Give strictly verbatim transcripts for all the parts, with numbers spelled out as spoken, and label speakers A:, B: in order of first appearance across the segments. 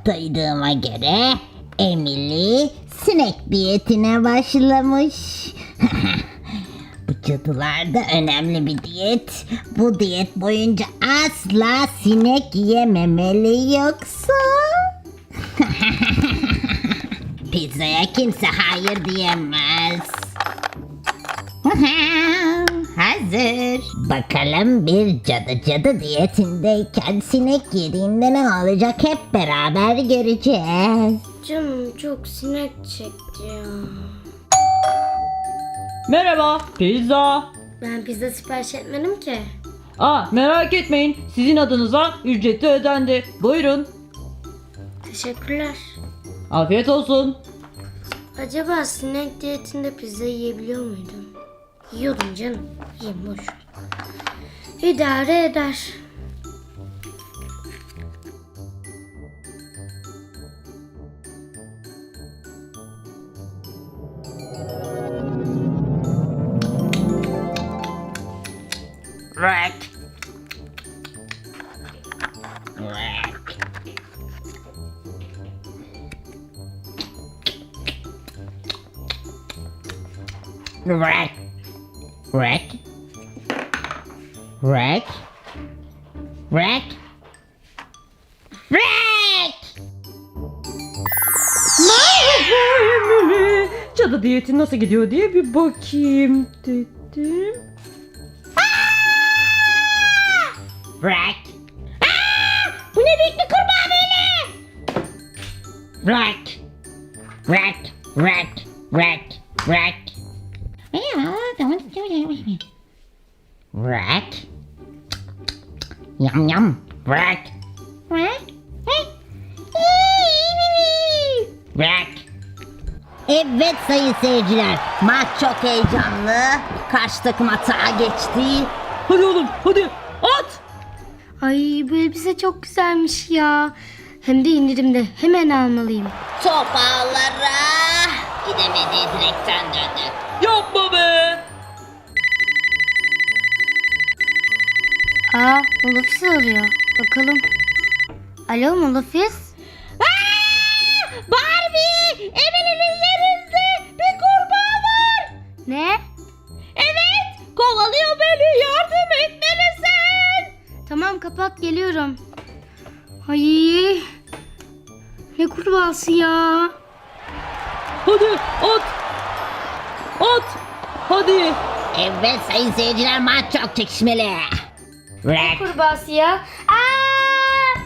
A: Duyduğuma göre Emily sinek diyetine başlamış. Bu cadılarda önemli bir diyet. Bu diyet boyunca asla sinek yememeli yoksa... Pizzaya kimse hayır diyemez. Hazır. Bakalım bir cadı cadı diyetindeyken sinek yediğinde ne olacak hep beraber göreceğiz.
B: Canım çok sinek çekti ya.
C: Merhaba, pizza.
B: Ben pizza sipariş etmedim ki.
C: Aa, merak etmeyin, sizin adınıza ücreti ödendi. Buyurun.
B: Teşekkürler.
C: Afiyet olsun.
B: Acaba sinek diyetinde pizza yiyebiliyor muydum? Yiyordum canım. Yiyeyim boş ver. İdare eder.
A: Rack. Rack. Rack. Rack. Rack. Rack. Rack.
C: Emily, cadı diyeti nasıl gidiyor diye bir bakayım dedim.
A: Rack. Aa! Bu ne büyük bir kurbağa böyle? Rack. Rack. Rack. Rack. Rack. Rack. Yum yum. Rack. Rack. Rack. Evet sayın seyirciler, maç çok heyecanlı. Karşı takım atağa geçti.
C: Hadi oğlum, hadi at.
B: Ay bu elbise çok güzelmiş ya. Hem de indirimde. Hemen almalıyım.
A: Top ağlara. Gidemediği direkten döndü.
C: Yapma be.
B: Aa Molofis arıyor. Bakalım. Alo Molofis.
A: Barbie! Emily'nin yerinde bir kurbağa var.
B: Ne?
A: Evet, kovalıyor beni. Yardım etmelisin.
B: Tamam kapat geliyorum. Ay ne kurbağası ya.
C: Hadi at. At. Hadi.
A: Evet sayın seyirciler, maç çok çekişmeli. Rack.
B: Kurbağası ya. Aa!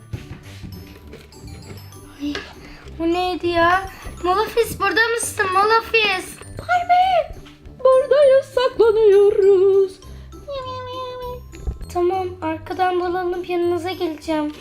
B: Ay, bu neydi ya? Molofis burada mısın Molofis?
C: Barbie. Buradayız, saklanıyoruz.
B: Tamam arkadan dolanıp yanınıza geleceğim.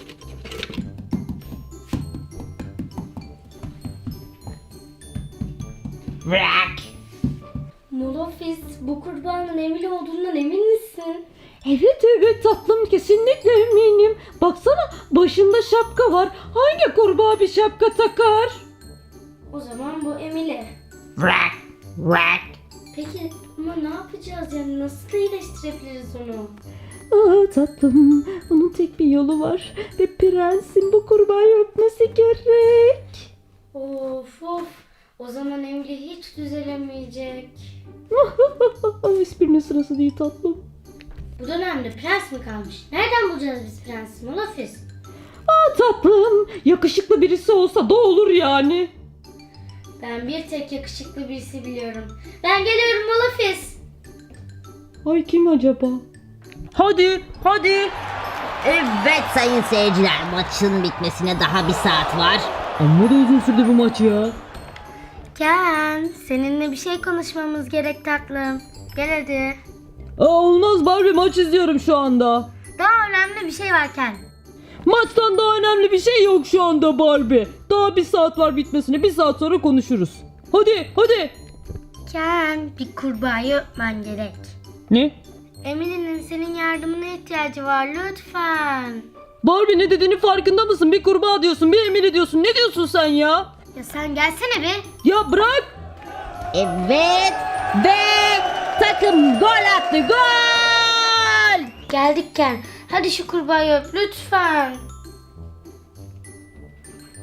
A: Rack.
B: Molofis bu kurbağanın Emily olduğundan emin misin?
C: Evet evet tatlım, kesinlikle eminim. Baksana, başında şapka var. Hangi kurbağa bir şapka takar?
B: O zaman bu Emily.
A: Rack. Rack.
B: Peki ama ne yapacağız yani nasıl iyileştirebiliriz onu?
C: Aa tatlım, bunun tek bir yolu var. Ve prensin bu kurbağayı öpmesi gerek.
B: Of of. O zaman Emily hiç düzelemeyecek.
C: Esprinin sırası değil tatlım.
B: Bu dönemde prens mi kalmış? Nereden bulacağız biz prensi Molofis?
C: Aa tatlım, yakışıklı birisi olsa da olur yani.
B: Ben bir tek yakışıklı birisi biliyorum. Ben geliyorum Molofis.
C: Ay kim acaba? Hadi hadi.
A: Evet sayın seyirciler, maçın bitmesine daha bir saat var.
C: Amma da uzun sürdü bu maç ya.
B: Ken, seninle bir şey konuşmamız gerek tatlım. Gel hadi.
C: Aa, olmaz Barbie, maç izliyorum şu anda.
B: Daha önemli bir şey var Ken.
C: Maçtan daha önemli bir şey yok şu anda Barbie. Daha bir saat var bitmesine. Bir saat sonra konuşuruz. Hadi hadi.
B: Ken, bir kurbağayı öpmen gerek.
C: Ne?
B: Emily'nin senin yardımına ihtiyacı var lütfen.
C: Barbie, ne dediğini farkında mısın? Bir kurbağa diyorsun, bir Emily diyorsun. Ne diyorsun sen ya?
B: Ya sen gelsene bir.
C: Ya bırak.
A: Evet ve takım gol attı, gol!
B: Geldik Ken. Hadi şu kurbağayı öp lütfen.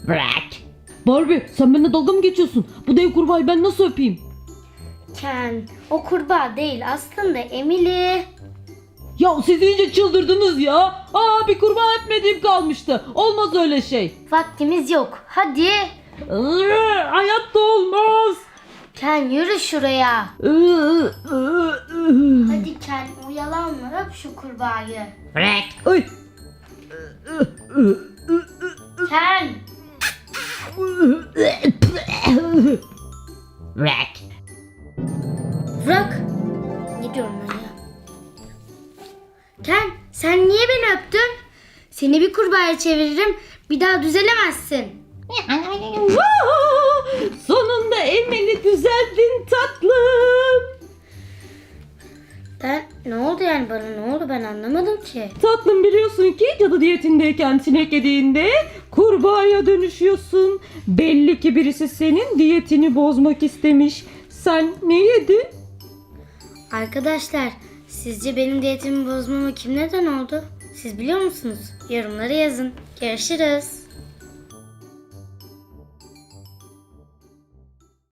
A: Bırak.
C: Barbie sen benimle dalga mı geçiyorsun? Bu dev kurbağayı ben nasıl öpeyim?
B: Ken, o kurbağa değil aslında Emily.
C: Ya siz iyice çıldırdınız ya. Aa bir kurbağa öpmediğim kalmıştı. Olmaz öyle şey.
B: Vaktimiz yok. Hadi.
C: Iıı, hayatta olmaz.
B: Ken yürü şuraya.
C: Iı, ıı, ıı.
B: Hadi Ken oyalanma öp şu kurbağayı.
A: Bırak.
C: Ay.
B: Ken.
A: Bırak.
B: Bırak. Ne diyorum ben ya? Ken sen niye beni öptün? Seni bir kurbağaya çeviririm. Bir daha düzelemezsin.
C: Aa, sonunda Emily düzeldin tatlım.
B: Ben ne oldu yani bana ne oldu ben anlamadım ki.
C: Tatlım biliyorsun ki cadı diyetindeyken sinek yediğinde kurbağaya dönüşüyorsun. Belli ki birisi senin diyetini bozmak istemiş. Sen ne yedin?
B: Arkadaşlar sizce benim diyetimi bozmama kim neden oldu? Siz biliyor musunuz? Yorumlara yazın. Görüşürüz.